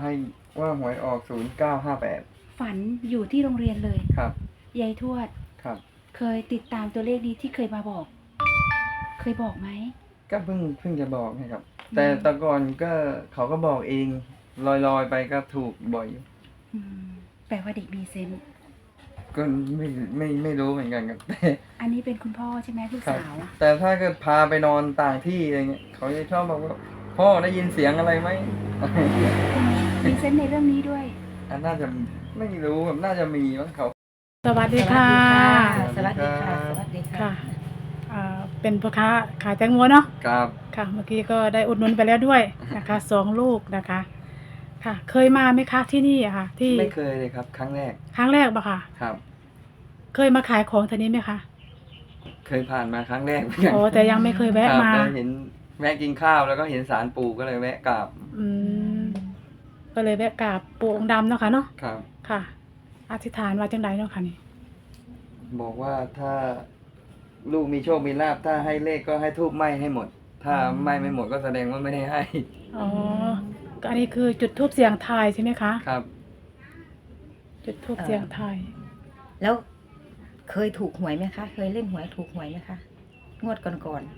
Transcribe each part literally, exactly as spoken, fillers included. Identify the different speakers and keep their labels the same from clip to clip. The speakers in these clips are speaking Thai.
Speaker 1: ให้ว่าหวยออกศูนย์เก้าห้าแปด
Speaker 2: ฝันอยู่ที่โรงเรียนเลย
Speaker 1: ครับ
Speaker 2: ยายทวด
Speaker 1: ครับ
Speaker 2: เคยติดตามตัวเลขนี้ที่เคยมาบอก เคยบอกไหม
Speaker 1: ก็เพิ่งเพิ่งจะบอกนะครับแต่ตะก่อนก็เขาก็บอกเองลอยๆไปก็ถูกบ่อยอยู่
Speaker 2: แปลว่าเด็กมีเซนส์
Speaker 1: ก็ไม่ไม่ไม่รู้เหมือนกันครับแต่
Speaker 2: อันนี้เป็นคุณพ่อใช่ไหมลูกสาว
Speaker 1: แต่ถ้าเกิดพาไปนอนต่างที่อะไรเงี้ยเขาจะชอบบอกว่าพ่อได้ยินเสียงอะไรไหม
Speaker 2: มีเซนส์ในเรื่องนี้ด้วย
Speaker 1: อันน่าจะไม่รู้แบบน่าจะมีมั้งเขา
Speaker 3: สวัสดีค่ะ
Speaker 2: สวัสดีค่ะสวัสดีค่ะ
Speaker 3: อ่าเป็นพ่อค้าขายแตงโมเนาะ
Speaker 1: ครับ
Speaker 3: ค่ะเมื่อกี้ก็ได้อุดหนุนไปแล้วด้วยนะคะสองลูกนะคะค่ะเคยมาไหมคะที่นี่อะค่ะที่
Speaker 1: ไม่เคยเลยครับครั้งแรก
Speaker 3: ครั้งแรกปะค่ะ
Speaker 1: ครับ
Speaker 3: เคยมาขายของทีนี้ไหมคะ
Speaker 1: เคยผ่านมาครั้งแรก
Speaker 3: โอ้แต่ยังไม่เคยแวะมา
Speaker 1: เห็นแวะกินข้าวแล้วก็เห็นศาลปู่ก็เลยแวะกราบ
Speaker 3: อืมก็เลยแวะกราบปู่องค์ดำเนาะค่ะเนาะ
Speaker 1: ครับ
Speaker 3: ค่ะอธิษฐานว่าจังไดเนาะค่ะนี่
Speaker 1: บอกว่าถ้าลูกมีโชคมีลาภถ้าให้เลขก็ให้ทูบไหม้ให้หมดถ้าไหม้ไม่หมดก็แสดงว่าไม่ได้ให้
Speaker 3: อ๋ออันนี้คือจุดทูบเสียงทายใช่ไหมคะ
Speaker 1: ครับ
Speaker 3: จุดทูบเสียงทาย
Speaker 2: แล้วเคยถูกหวยไหมคะเคยเล่นหวยถูกหวยไหมคะงวดก่อน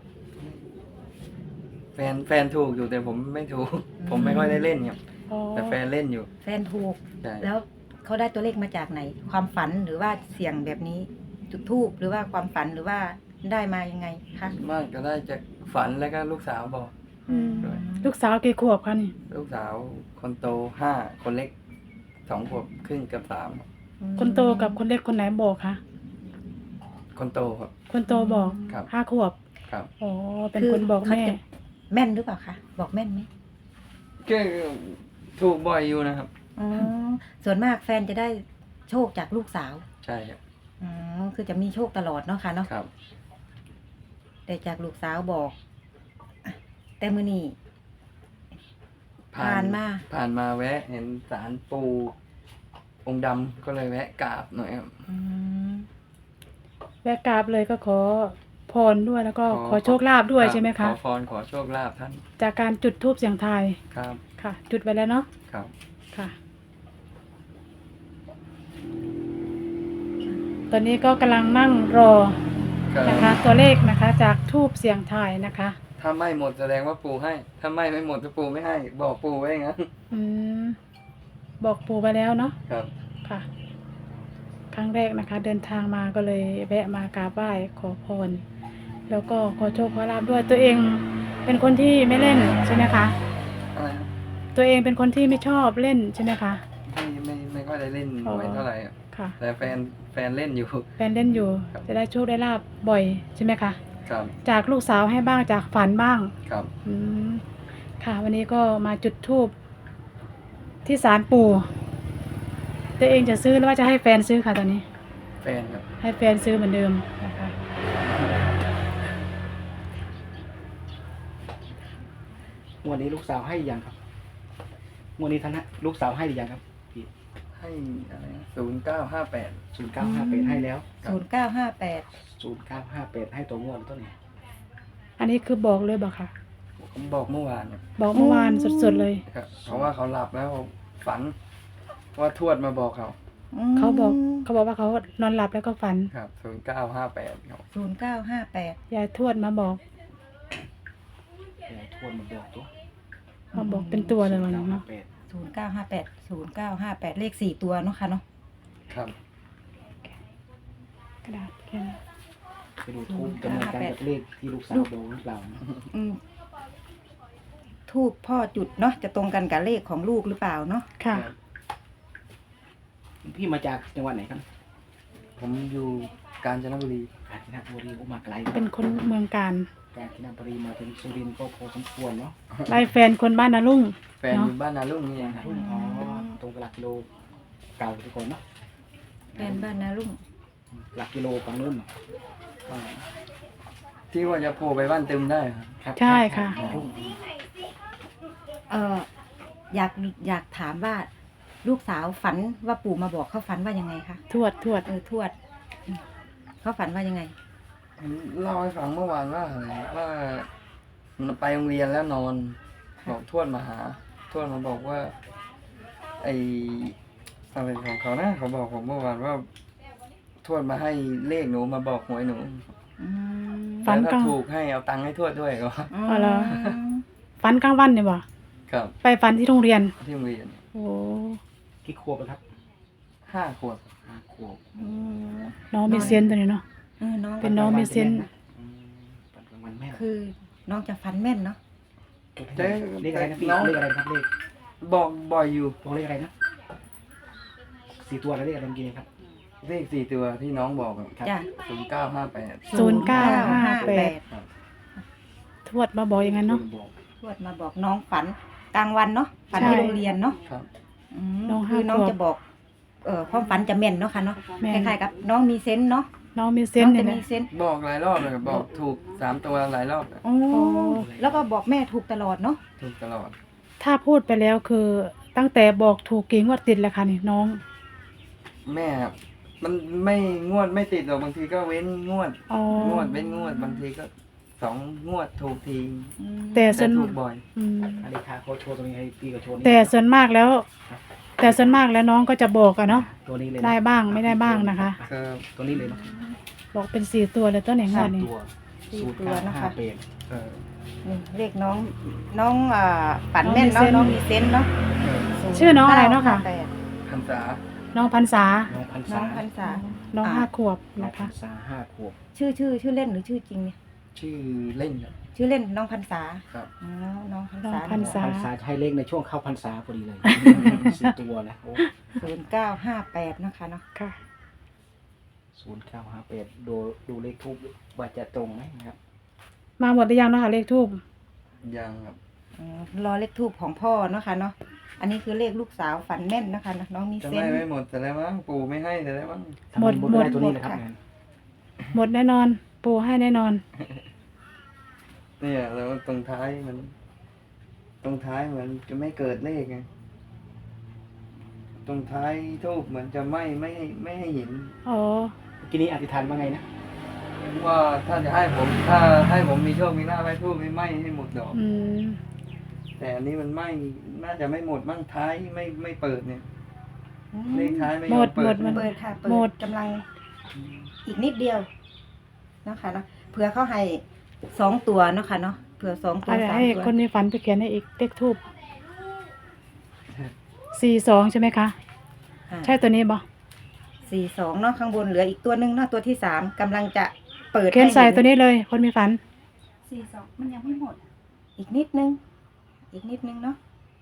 Speaker 1: ๆแฟนแฟนถูกอยู่แต่ผมไม่ถูกผมไม่ค่อยได้เล่นครับแต่แฟนเล่นอยู่
Speaker 2: แฟนถูกแล้วเขาได้ตัวเลขมาจากไหนความฝันหรือว่าเสี่ยงแบบนี้จุดทูบหรือว่าความฝันหรือว่าได้มายังไงคะ
Speaker 1: มากก็ได้จากฝันแล้วก็ลูกสาวบอก
Speaker 3: ลูกสาวกี่ขวบคะนี่
Speaker 1: ลูกสาวคนโตห้าคนเล็กสองขวบครึ่งกับสาม
Speaker 3: คนโตกับคนเล็กคนไหนบอกคะ
Speaker 1: คนโตครับ
Speaker 3: คนโตบอกห้าขวบ
Speaker 1: ครับ
Speaker 3: อ๋อเป็นคนบอกแม่
Speaker 2: แม่นหรือเปล่าคะบอกแม่นไหม
Speaker 1: ก็ถูกบ่อยอยู่นะครับ
Speaker 2: อ๋อส่วนมากแฟนจะได้โชคจากลูกสาว
Speaker 1: ใช่ครับ
Speaker 2: อ๋อคือจะมีโชคตลอดเนาะค่ะเนาะ
Speaker 1: ครับ
Speaker 2: แต่จากลูกสาวบอกแต่มื้อนี้ผ่านมา
Speaker 1: ผ่านมาแวะเห็นศาลปู่องค์ดำก็เลยแวะกราบหน่อยครับ
Speaker 3: แวะกราบเลยก็ขอพรด้วยแล้วก็ขอโชคลาภด้วยใช่ไหมคะ
Speaker 1: ขอพรขอโชคลาภท่าน
Speaker 3: จากการจุดธูปเสียงทาย
Speaker 1: ครับ
Speaker 3: ค่ะจุดไปแล้วเนาะ
Speaker 1: ครับ
Speaker 3: ค่ะตอนนี้ก็กำลังนั่งรอนะคะตัวเลขนะคะจากธูปเสียงทายนะคะ
Speaker 1: ถ้าไม่หมดแสดงว่าปู่ให้ถ้าไม่ไม่หมดถ้าปู่ไม่ให้บอกปู่ไว้งั้น
Speaker 3: อืมบอกปู่ไปแล้วเนาะ
Speaker 1: ครับ
Speaker 3: ค่ะครั้งแรกนะคะเดินทางมาก็เลยแวะมากราบไหว้ขอพรแล้วก็ขอโชคขอลาภด้วยตัวเองเป็นคนที่ไม่เล่นใช่ไหมคะ
Speaker 1: อะไร
Speaker 3: ตัวเองเป็นคนที่ไม่ชอบเล่นใช่ไหมคะ
Speaker 1: ไม่ไม่ไม่ค่อยได้เล่นหวยเท่าไหร่
Speaker 3: ค่ะ
Speaker 1: แต่แฟนแฟนเล่นอยู่
Speaker 3: แฟนเล่นอยู่จะได้โชคได้ลาภบ่อยใช่ไหมคะ
Speaker 1: ครับ
Speaker 3: จากลูกสาวให้บ้างจากฝันบ้าง
Speaker 1: ครับ
Speaker 3: อืมค่ะวันนี้ก็มาจุดธูปที่ศาลปู่ตัวเองจะซื้อหรือว่าจะให้แฟนซื้อค่ะตอนนี้
Speaker 1: แฟนครับ
Speaker 3: ให้แฟนซื้อเหมือนเดิมนะคะ
Speaker 4: วันนี้ลูกสาวให้ยังครับวันนี้ท่านลูกสาวให้หรือยังครับพี่
Speaker 1: ให้อะไรศูนย์เก้าห้าแปด
Speaker 4: ศูนย์เก้าห้าแปดให้แล้ว
Speaker 2: ศูนย์เก้าห้าแปด
Speaker 4: ศูนย์เก้าห้าแปดให้ตัวงวดต้นนี้
Speaker 3: อันนี้คือบอกเลยบอกค่ะ
Speaker 1: ผมบอกเมื่อวาน
Speaker 3: บอกเมื่อวานสดๆเลย
Speaker 1: ครับเพราะว่าเขาหลับแล้วฝันว่าทวดมาบอกเขา
Speaker 3: เขาบอกเขาบอกว่าเขานอนหลับแล้วก็ฝัน
Speaker 1: ครับศูนย์เก้าห้าแปดครับ
Speaker 2: ศูนย์เก้าห้าแปด
Speaker 3: ยายทวดมาบอก
Speaker 4: ยายทวดมาบอกตัว
Speaker 3: มาบอกเป็นตัวเลยวันนี้เนาะ
Speaker 2: ศูนย์เก้าห้าแปดศูนย์เก้าห้าแปดเลขสี่ตัวเนาะค่ะเนาะ
Speaker 1: ครับ
Speaker 3: กระดาษแค่นี้
Speaker 4: ไปดูทูบจำนวนการกับเลขที่ลูกสาวบอกหรือเปล่า
Speaker 2: อืมทูบพ่อจุดเนาะจะตรงกันกับเลขของลูกหรือเปล่าเนาะ
Speaker 3: ค่ะ
Speaker 4: พี่มาจากจังหวัดไหนครับ
Speaker 1: ผมอยู่กาญจนบุรี
Speaker 4: กาญจนบุรีผมมาไกล
Speaker 3: เป็นคนเมืองกาญ
Speaker 4: กาญจนบุรีมาถึงสุรินทร์ก็พอสมควรเนาะ
Speaker 3: ไล่แฟนคนบ้านนาลุ่ง
Speaker 1: แฟนอยู่บ้านนาลุ่งนี่เอง
Speaker 4: อ๋อตรงหลักกิโลเก่าทุกคนเนาะ
Speaker 2: แฟนบ้านนาลุ่ง
Speaker 4: หลักกิโลฝั่งนู้น
Speaker 1: ที่ว่าจะโผล่ไปบ้านตึมได้
Speaker 3: ครับใช่ค่ะ
Speaker 2: เอออยากอยากถามว่าลูกสาวฝันว่าปู่มาบอกเขาฝันว่ายังไงคะ
Speaker 3: ทวดทวด
Speaker 2: เออทวดเขาฝันว่ายังไง
Speaker 1: เล่าให้ฟังเมื่อวานว่าว่าไปโรงเรียนแล้วนอนบอกทวดมาหาทวดมาบอกว่าไออะไรของเขานะเขาบอกผมเมื่อวานว่าทวดมาให้เลขหนูมาบอกหวยหนู
Speaker 2: อืม
Speaker 3: ฝัน
Speaker 1: แล้ว
Speaker 3: กลา
Speaker 1: ถ้าง ถูกให้เอาตังค์ให้ทวดด้วยก็
Speaker 3: อ๋อเหรอ ฝันกลางวันเนี่ยบ่
Speaker 1: ครับ
Speaker 3: ไปฝันที่โรงเรียน
Speaker 1: ที่โรงเรียน
Speaker 3: โอ้
Speaker 4: กี่ขวบแล้วครับ
Speaker 1: ห้าขวบ
Speaker 4: ห้าขวบ
Speaker 2: อืม
Speaker 3: น้องมีเซนส์ตัวนี้เนาะ
Speaker 2: เออน้อง
Speaker 3: เป็นน้องมีเซนส์
Speaker 4: อืมปันกลางวันแม่น
Speaker 2: คือน้องจะฟันแม่นเนาะ
Speaker 1: เจ๊
Speaker 4: เลขอะไรนะพี่
Speaker 1: น้อง
Speaker 4: เลขอะไรนะครับเลข
Speaker 1: บอกบ่อยอยู่
Speaker 4: บอกเลขอะไรนะสี่ตัวแล้วเลขอะไรเมื่อกี้ครับ
Speaker 1: เลขสี่ตัวที่น้องบอก
Speaker 4: ครับ
Speaker 2: จ้ะ
Speaker 1: ศูนย์เก้าห้าแปด
Speaker 3: ศูนย์เก้าห้าแปด
Speaker 1: ครับ
Speaker 3: ทวดมาบอกอย่างนั้นเนาะ
Speaker 4: บอก
Speaker 2: ทวดมาบอกน้องฝันกลางวันเนาะฝัน
Speaker 3: ใช่
Speaker 2: ที่โรงเรียนเนาะ
Speaker 1: ครับ
Speaker 2: อืม
Speaker 3: น้องห้า
Speaker 2: คือน้อง
Speaker 3: ขวบ
Speaker 2: จะบอกเอ่อความฝันจะแม่นเนาะค่ะเนาะ
Speaker 3: แม่
Speaker 2: คน ล้ายๆกับน้องมีเซนส์เนาะ
Speaker 3: น้องมีเซ
Speaker 2: น้
Speaker 3: น
Speaker 2: อง
Speaker 3: ส์
Speaker 2: จะ
Speaker 3: เนี่ย
Speaker 2: มี
Speaker 3: นะ
Speaker 2: เซนส์
Speaker 1: บอกหลายรอบเลยบอกถูกสามตัวหลายรอบเลย
Speaker 2: โอ้แล้วก็บอกแม่ถูกตลอดเนาะ
Speaker 1: ถูกตลอด
Speaker 3: ถ้าพูดไปแล้วคือตั้งแต่บอกถูกกี่งวดติดแล้วค่ะนี่น้อง
Speaker 1: แม่ครับมันไม่งวดไม่ติดหรอกบางทีก็เว้นงวด
Speaker 3: อ๋อง
Speaker 1: วดเว้นงวดบางทีก็สองงวดถูกที
Speaker 2: อืม
Speaker 3: แต่ส่
Speaker 1: แต่
Speaker 3: วน
Speaker 1: ถูกบ่อย
Speaker 3: อืม
Speaker 4: อันนี้ค่ะเขาโชว์ตรงนี้ให้พี่ก็โชว์นี่
Speaker 3: แต่ส่วนมากแล้ว แต่ส่วนมากแล้วน้องก็จะบอกอะเนาะ
Speaker 4: ตัวนี้เลยนะ
Speaker 3: ได้บ้างไม่ได้บ้างนะคะ
Speaker 1: ครับ
Speaker 4: ตัวนี้เลยเนาะ
Speaker 3: บอกเป็นสี่ตัวเลยต้นไหนงวดนี้
Speaker 4: ตัว
Speaker 2: สี่
Speaker 4: ศูนย์
Speaker 2: ตัว
Speaker 4: เก้า
Speaker 2: นะ
Speaker 4: ห้า
Speaker 2: คะ
Speaker 4: แปด
Speaker 1: เออ
Speaker 2: นี่เลขน้องน้องอ่าฝันแม่นเนาะน้องมีเซนส์เนาะ
Speaker 1: เออ
Speaker 3: ชื่อน้องอะไรเนาะค่ะ
Speaker 2: ศูย์ก้ห้าแปด
Speaker 1: พรรษา
Speaker 3: น้องพันษา
Speaker 4: น้องพัน
Speaker 2: น้
Speaker 4: ษา
Speaker 2: องพันษา
Speaker 3: น้อง
Speaker 2: อ่า
Speaker 3: ห้าขวบ
Speaker 4: น้อง
Speaker 3: นะ
Speaker 4: พั
Speaker 3: คะ
Speaker 4: นษาห้าขวบ
Speaker 2: ชื่อชื่อชื่อเล่นหรือชื่อจริงเนี่ย
Speaker 1: ชื่อเล่นครับ
Speaker 2: ชื่อเล่นน้องพันษา
Speaker 1: ครับ
Speaker 2: อ๋อน้องพัน
Speaker 3: น้อง
Speaker 2: ษา
Speaker 3: พันษา
Speaker 4: พันษาจะให้เลขในช่วงเข้าพันษาพอดีเลยสี่ตัวนะโอ้
Speaker 2: ศูนย์เก้าห้าแปดนะคะเนาะ
Speaker 3: ค่ะ
Speaker 4: ศูนย์เก้าห้าแปดดูดูเลขทูบว่าจะตรงไหมนะครับ
Speaker 3: มาหมดหรือยังเนาะค่ะเลขทูบ
Speaker 1: ยังครับ
Speaker 2: อ๋อรอเลขทูบของพ่อเนาะค่ะเนาะอันนี้คือเลขลูกสาวฝันแม่นนะคะเนาะน้องมี
Speaker 1: จะ
Speaker 2: เซ
Speaker 1: ไม่
Speaker 2: นส์
Speaker 1: ไม่หมดแต่แล้วมั้งปู่ไม่ให้แต่แล้วมั้ง
Speaker 4: ทำไมบนได้ตัวนี้นะครับ
Speaker 2: หมดค่ะ
Speaker 4: งาน
Speaker 3: หมดแน่นอน ปูให้แน่นอน
Speaker 1: เนี่ยแล้วตรงท้ายมัน ตรงท้ายเหมือนจะไม่เกิดเลขไงตรงท้ายทูบเหมือนจะไม่ไม่ให้ไม่ให้เห็น
Speaker 3: อ๋อ
Speaker 4: เมื่อกี้นี้อธิษฐานว่าไงนะ
Speaker 1: ว่าถ้าจะให้ผมถ้าให้ผมมีโชคมีลาภให้ทูบไม่ไหม้ให้หมดดอก
Speaker 3: อืม
Speaker 1: แต่อันนี้มันไหม้น่าจะไม่หมดมั่งท้ายไม่ไม่เปิดเนี่ย
Speaker 2: อืม
Speaker 1: เลขท้ายไม่ย
Speaker 3: หม
Speaker 1: อ
Speaker 3: ด
Speaker 1: มเปิ
Speaker 3: หม
Speaker 1: ด
Speaker 3: ดมัน
Speaker 2: เปิดค่ะเปิ
Speaker 3: หมด
Speaker 2: ดกำลังอีกนิดเดียวนะคะเนาะเผื่อเขาให้สองตัวเนาะค่ะเนาะเผื่อสองตัว
Speaker 3: อะไร
Speaker 2: สาม
Speaker 3: ให้
Speaker 2: ตัว
Speaker 3: คนมีฝันไปเขียนให้อีกเลขทูบสี่สองใช่ไหมคะ
Speaker 2: อ่า
Speaker 3: ใช่ตัวนี้บ่
Speaker 2: สี่สองเนาะข้างบนเหลืออีกตัวหนึ่งเนาะตัวที่สามกำลังจะเปิด
Speaker 3: เขียนใส่
Speaker 2: ให้ห็
Speaker 3: ตัวนี้เลย คนมีฝัน
Speaker 2: สี่สองมันยังไม่หมด อีกนิดนึง อีกนิดนึงเนาะ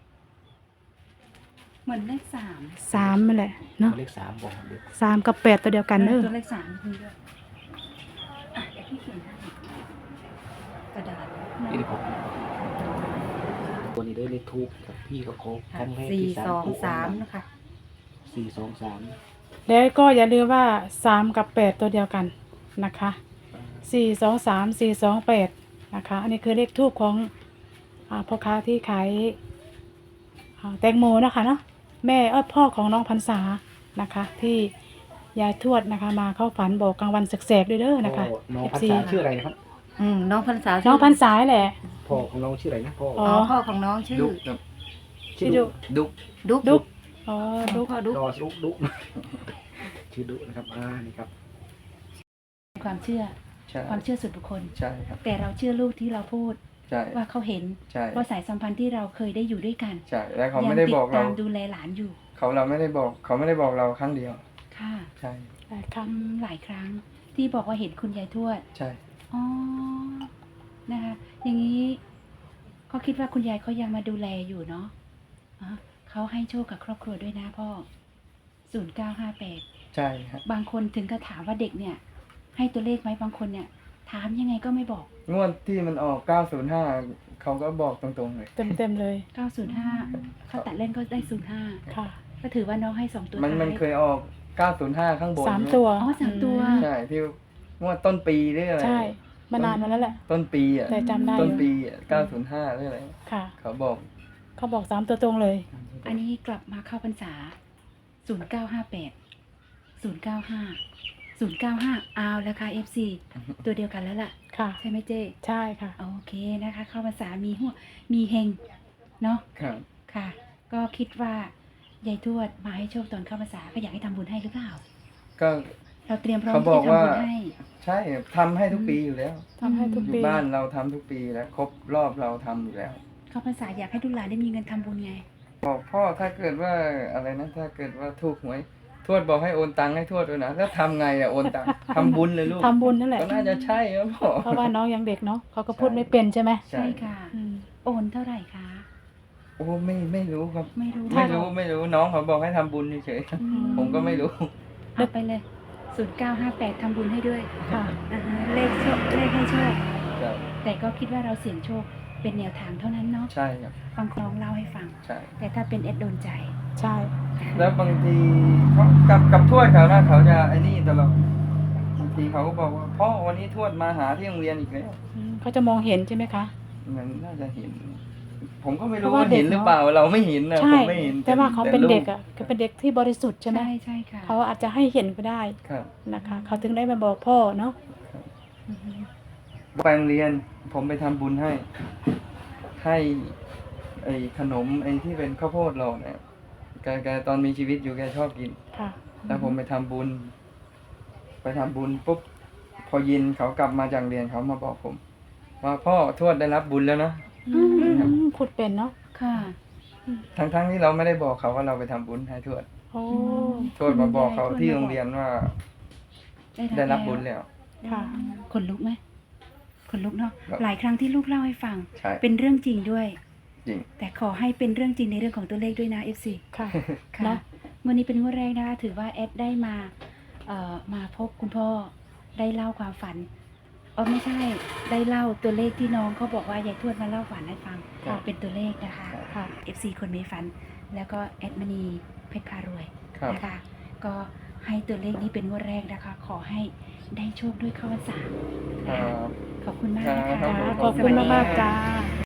Speaker 5: เหมือนเลขสาม
Speaker 3: สามนั่นแหละเนาะ
Speaker 4: เลขสามบอกเด็ก
Speaker 3: สามกับแปดตัวเดียวกันเนอะ
Speaker 5: ตัวเลขสามมีด้วยอ่ะเดี๋ยวพี่เขียนให้
Speaker 2: กระดาษ
Speaker 4: นี่ผมตัวนี้ได้เลขทูบกับพี่ก็โค้งครั้งแรก
Speaker 2: สี่
Speaker 4: ที่
Speaker 2: สอง
Speaker 4: ถูก
Speaker 2: สามนะคะ
Speaker 4: สี่สองสาม
Speaker 3: แล้วก็อย่าลืมว่าสามกับแปดตัวเดียวกันนะคะสี่สองสามสี่สองแปดนะคะ อันนี้คือเลขทูบของอ่าพ่อค้าที่ขายอ่าแตงโมนะคะเนาะแม่เออพ่อของน้องพรรษานะคะ ที่ยายทวดนะคะ มาเข้าฝันบอกกลางวันแสกๆด้วยเด้อนะคะ
Speaker 4: พ่อน้องพัน
Speaker 3: เอฟซี
Speaker 4: ษาชื่ออะไรนะครับ
Speaker 2: อืมน้องพรรษา
Speaker 3: น้องพรรษาแหละ
Speaker 4: พ่อของน้องชื่ออะไรนะพ่อ
Speaker 3: อ๋
Speaker 2: อ๋อพ่อของน้องชื่อ
Speaker 1: ดุกครับ
Speaker 3: ชื่อดุ
Speaker 1: ดุก
Speaker 2: ดุ๊ก
Speaker 3: ดุ๊ก อ๋อ
Speaker 2: ดุ
Speaker 3: ดุ๊
Speaker 2: ๊
Speaker 3: ก
Speaker 2: กพ่อดุ๊ก
Speaker 4: ดอสุกดุกชื่อดุนะครับอ่านี่ครับ
Speaker 5: ความเชื่อ
Speaker 1: ใช่
Speaker 5: ความเชื่อส่วนบุคคล
Speaker 1: ใช่ครับ
Speaker 5: แต่เราเชื่อลูกที่เราพูด
Speaker 1: ใช่
Speaker 5: ว่าเขาเห็น
Speaker 1: ใช่
Speaker 5: ว่าสายสัมพันธ์ที่เราเคยได้อยู่ด้วยกัน
Speaker 1: ใช่แล้วเขา
Speaker 5: ยั
Speaker 1: ไม่ได้
Speaker 5: ติ
Speaker 1: บอก
Speaker 5: ด
Speaker 1: เรา
Speaker 5: ตามดูแลหลานอยู่
Speaker 1: เขาเราไม่ได้บอก เขาไม่ได้บอกเราครั้งเดียว
Speaker 5: ค่ะ
Speaker 1: ใช่
Speaker 3: หลายครั้ง
Speaker 5: ทำหลายครั้งที่บอกว่าเห็นคุณยายทวด
Speaker 1: ใช่
Speaker 5: อ๋อนะคะ อย่างนี้ก็คิดว่าคุณยายเขายังมาดูแลอยู่เนาะอ่ะเขาให้โชคกับครอบครัวด้วยนะพ่อศูนย์เก้าห้าแปด
Speaker 1: ใช่ครับ
Speaker 5: บางคนถึงก็ถามว่าเด็กเนี่ย ให้ตัวเลขไหมบางคนเนี่ย ถามยังไงก็ไม่บอก
Speaker 1: งวดที่มันออกเก้าศูนย์ห้าเขาก็บอกตรงๆเลย
Speaker 3: เต็มเต็มๆเลย
Speaker 5: เก้าศูนย์ห้าเขาตัดเล่นก็ได้ศูนย์ห้า
Speaker 3: ค่ะ
Speaker 5: ก็ถือว่าน้องให้สองตัว
Speaker 1: มัน
Speaker 5: ท้าย
Speaker 1: มันเคยออกเก้าศูนย์ห้าข้างบน
Speaker 3: สามตัว
Speaker 5: อ๋อสามตัว
Speaker 1: ใช่ที่งวดต้นปีหรืออะไร
Speaker 3: ใช่ มานานมาแล้วแหละ
Speaker 1: ต้นปีอ่ะ
Speaker 3: แต่จำได้
Speaker 1: ต้น
Speaker 3: อยู่
Speaker 1: ปีอ่ะเก้าศูนย์ห้าหรืออะไร
Speaker 3: ค่ะ
Speaker 1: เขาบอก
Speaker 3: เขาบอกสามตัวตรงเลย
Speaker 5: อันนี้กลับมาเข้าพรรษาศูนย์เก้าห้าแปดศูนย์เก้าห้าศูนย์เก้าห้าเอาแล้วค่ะ เอฟ ซี ตัวเดียวกันแล้วล่ะ
Speaker 3: ค่ะ
Speaker 5: ใช่ไหมเจ๊
Speaker 3: ใช่ค่ะ
Speaker 5: โอเคนะคะ เข้าพรรษามีหัวมีเฮงเนาะ
Speaker 1: ครับ
Speaker 5: ค่ะ ก็คิดว่ายายทวดมาให้โชคตอนเข้าพรรษาก็อยากให้ทำบุญให้หรือเปล่า
Speaker 1: ก็
Speaker 5: เราเตรียมพร้อม
Speaker 1: เขาบ
Speaker 5: ที่
Speaker 1: อก
Speaker 5: จะ
Speaker 1: ว่า
Speaker 5: ทำบุญให้
Speaker 1: ใช่ทำให้ทุกปีอยู่แล้ว
Speaker 3: ทำให้ทุก
Speaker 1: อยู่
Speaker 3: ปี
Speaker 1: บ้านเราทำทุกปีแล้วครบรอบเราทำอยู่แล้ว
Speaker 5: เข้าพรรษาอยากให้ลูกหลานได้มีเงินทำบุญไง
Speaker 1: บอกพ่อถ้าเกิดว่าอะไรนะถ้าเกิดว่าถูกหวยทวดบอกให้โอนตังค์ให้ทวดด้วยนะแล้วทำไงอะโอนตังค์ทำบุญเลยลูก
Speaker 3: ทำบุญนั่นแหละ
Speaker 1: ก็น่าจะใช่ครับพ่อ
Speaker 3: เพราะว่าน้องยังเด็กเนาะเขาก็พูดไม่เป็นใช่ไหม
Speaker 1: ใช่
Speaker 5: ใช่ค่ะ
Speaker 3: อืม
Speaker 5: โอนเท่าไหร่คะ
Speaker 1: โอ้ไม่ไม่รู้ครับ
Speaker 5: ไม่รู้
Speaker 1: ไม่รู้ไม่รู้น้องเขาบอกให้ทำบุญเฉย
Speaker 5: อื
Speaker 1: ๆผมก็ไม่รู้
Speaker 5: เอาไปเลยศูนย์เก้าห้าแปดทำบุญให้ด้วย
Speaker 3: ค่ะ
Speaker 5: อ่าฮะเลขโชคเลขให้โชค
Speaker 1: ครับ
Speaker 5: แต่ก็คิดว่าเราเสี่ยงโชคเป็นแนวทางเท่านั้นเนาะ
Speaker 1: ใช่ครับ
Speaker 5: ฟังคล้องเล่าให้ฟัง
Speaker 1: ใช่
Speaker 5: แต่ถ้าเป็นเอ็ดโดนใจ
Speaker 3: ใช่
Speaker 1: แล้วบางทีเขากับกับทวดเขานะเขาจะไอ้นี่ตลอดบางทีเขาก็บอกว่าพ่อวันนี้ทวดมาหาที่โรงเรียนอีกแล้ว
Speaker 3: อืมเขาจะมองเห็นใช่ไหมคะ
Speaker 1: มันน่าจะเห็น ผมก็ไม่
Speaker 3: เพ
Speaker 1: รู้
Speaker 3: ราะว่า
Speaker 1: ว่าเห็น
Speaker 3: เด็ก
Speaker 1: หรือเปล่าเราไม่เห็นนะ
Speaker 3: ใช่
Speaker 1: ผมไม่เห็น
Speaker 3: แต่ว่าเขาเป็น
Speaker 1: ลู
Speaker 3: เด็กอ่ะคือเป็นเด็กที่บริสุทธิ์ใช่ไหม
Speaker 5: ใช่ใช่ค่ะ
Speaker 3: เขาอาจจะให้เห็นก็ได้
Speaker 1: ครับ
Speaker 3: นะคะ เขาถึงได้มาบอกพ่อเนาะ
Speaker 5: อือฮึ
Speaker 1: ไปโรงเรียน ผมไปทำบุญให้ ให้ไอ้ขนมไอ้ที่เป็นข้าวโพดเราเนี่ยแกแกตอนมีชีวิตอยู่แกชอบกิน
Speaker 3: ค่ะ
Speaker 1: แล้วผมไปทำบุญ ไปทำบุญปุ๊บพอเย็นเขากลับมาจากเรียนเขามาบอกผม ว่าพ่อทวดได้รับบุญแล้วนะ
Speaker 5: อืม
Speaker 3: อืมพูดเป็นเนาะ
Speaker 5: ค่ะ
Speaker 1: ทั้งๆที่เราไม่ได้บอกเขาว่าเราไปทำบุญให้ทวด
Speaker 3: โอ้
Speaker 1: ทวดมาบอกเขาที่โรงเรียนว่า
Speaker 5: ได้
Speaker 1: ได้
Speaker 5: รั
Speaker 1: รั
Speaker 5: บบ
Speaker 1: บุญ
Speaker 5: แล้ว
Speaker 1: แล้ว
Speaker 3: ค่ะ
Speaker 5: ขนลุกไหมขนลุกเนาะ
Speaker 1: ครับ
Speaker 5: หลายครั้งที่ลูกเล่าให้ฟัง
Speaker 1: ใช่
Speaker 5: เป็นเรื่องจริงด้วย
Speaker 1: จริง
Speaker 5: แต่ขอให้เป็นเรื่องจริงในเรื่องของตัวเลขด้วยนะ เอฟ ซี
Speaker 3: ค่ะ
Speaker 5: ค่ะ
Speaker 3: เนาะ
Speaker 5: วันนี้เป็นงวดแรกนะคะถือว่าแอดได้มาเอ่อมาพบคุณพ่อได้เล่าความฝันเออไม่ใช่ได้เล่าตัวเลขที่น้องเขาบอกว่ายายทวดมาเล่าฝันให้ฟัง
Speaker 1: ครับ
Speaker 5: เป็นตัวเลขนะคะ
Speaker 3: ค่ะ
Speaker 5: เอฟ ซี คนมีฝัน แล้วก็แอดมณีเพชรพารวย
Speaker 1: ครับ
Speaker 5: นะคะ ก็ให้ตัวเลขนี้เป็นงวดแรกนะคะ ขอให้ได้โชคด้วยเข้าพรรษา
Speaker 1: ครั
Speaker 5: นะคะ
Speaker 1: บ
Speaker 5: ขอบคุณมากนะ
Speaker 1: ครั
Speaker 5: คะ
Speaker 1: บ
Speaker 3: จ้าขอบคุณมากๆจ้า